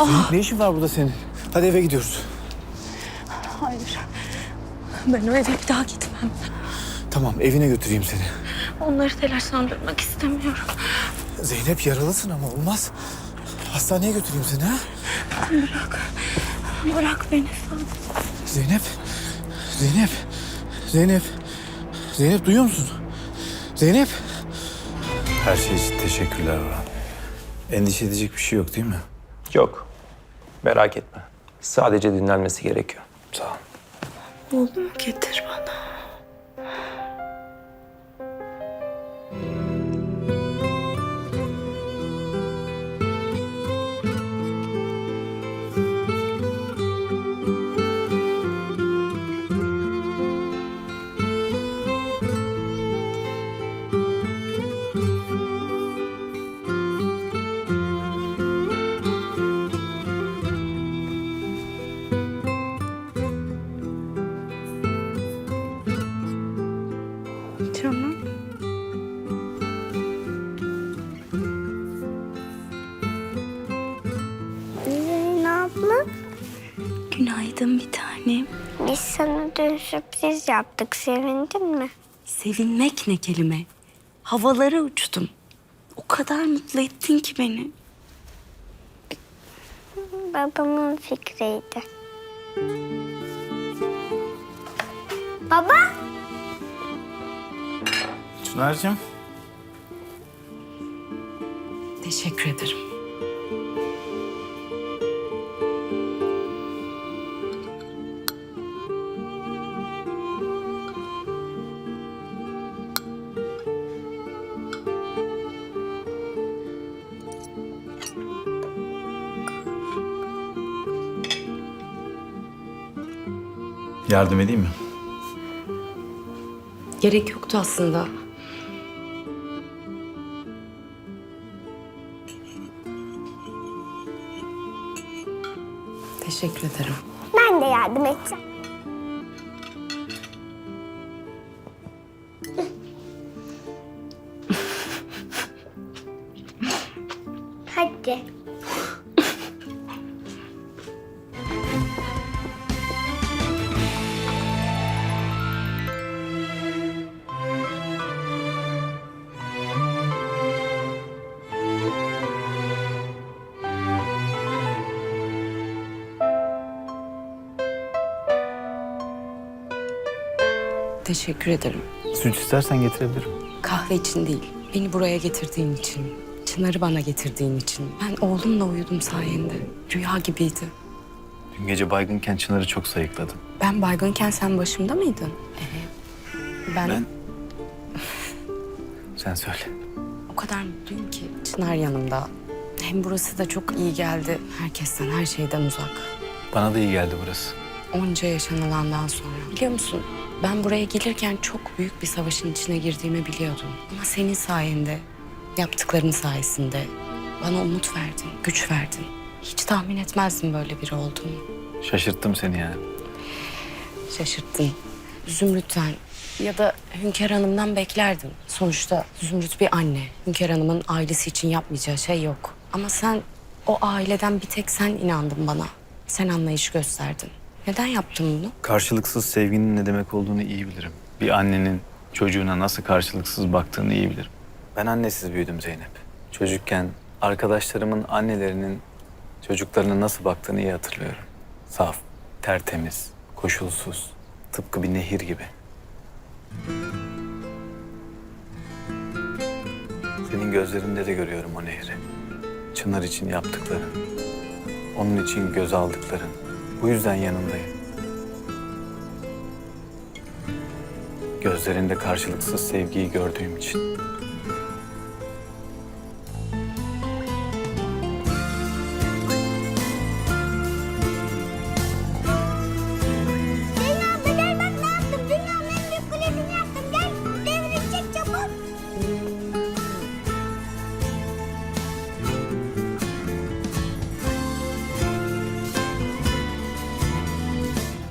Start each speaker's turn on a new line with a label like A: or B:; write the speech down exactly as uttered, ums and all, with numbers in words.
A: Zeynep ne işin var burada senin? Hadi eve gidiyoruz.
B: Hayır. Ben o eve bir daha gitmem.
A: Tamam evine götüreyim seni.
B: Onları telaşlandırmak istemiyorum.
A: Zeynep yaralısın ama olmaz. Hastaneye götüreyim seni ha?
B: Bırak. Bırak beni Sadık.
A: Zeynep. Zeynep. Zeynep. Zeynep duyuyor musun? Zeynep. Her şey için teşekkürler Orhan. Endişe edecek bir şey yok değil mi?
C: Yok. Merak etme. Sadece dinlenmesi gerekiyor.
A: Sağ ol.
B: Oğlumu getir bana. Canım.
D: Zeynep abla,
B: Günaydın bir tanem.
D: biz sana dün sürpriz yaptık. Sevindin mi?
B: Sevinmek ne kelime. Havalara uçtum. O kadar mutlu ettin ki beni.
D: Babamın fikriydi. Baba,
A: Çınar'cığım.
B: Teşekkür ederim.
A: Yardım edeyim mi?
B: Gerek yoktu aslında. Teşekkür ederim.
D: ben de yardım edeceğim. Hadi.
B: Teşekkür ederim.
A: Süt istersen getirebilirim.
B: Kahve için değil, beni buraya getirdiğin için, Çınar'ı bana getirdiğin için. Ben oğlumla uyudum sayende. Rüya gibiydi.
A: Dün gece baygınken Çınar'ı çok sayıkladım.
B: Ben baygınken sen başımda mıydın? Ee, ben,
A: Ben... Sen söyle.
B: o kadar mutluyum ki Çınar yanımda. Hem burası da çok iyi geldi. Herkesten, her şeyden uzak.
A: Bana da iyi geldi burası.
B: Onca yaşanılandan sonra. Biliyor musun? Ben buraya gelirken çok büyük bir savaşın içine girdiğimi biliyordum. Ama senin sayende, yaptıkların sayesinde bana umut verdin, güç verdin. Hiç tahmin etmezdim böyle biri olduğunu.
A: Şaşırttım seni yani.
B: Şaşırttın. Zümrüt'ten ya da Hünkar Hanım'dan beklerdim. Sonuçta Zümrüt bir anne. Hünkar Hanım'ın ailesi için yapmayacağı şey yok. Ama sen, o aileden bir tek sen inandın bana. Sen anlayış gösterdin. Neden yaptın bunu?
A: Karşılıksız sevginin ne demek olduğunu iyi bilirim. Bir annenin çocuğuna nasıl karşılıksız baktığını iyi bilirim. Ben annesiz büyüdüm Zeynep. Çocukken arkadaşlarımın annelerinin çocuklarına nasıl baktığını iyi hatırlıyorum. Saf, tertemiz, koşulsuz, tıpkı bir nehir gibi. Senin gözlerinde de görüyorum o nehri. Çınar için yaptıkların, onun için göz aldıkların. Bu yüzden yanındayım. Gözlerinde karşılıksız sevgiyi gördüğüm için.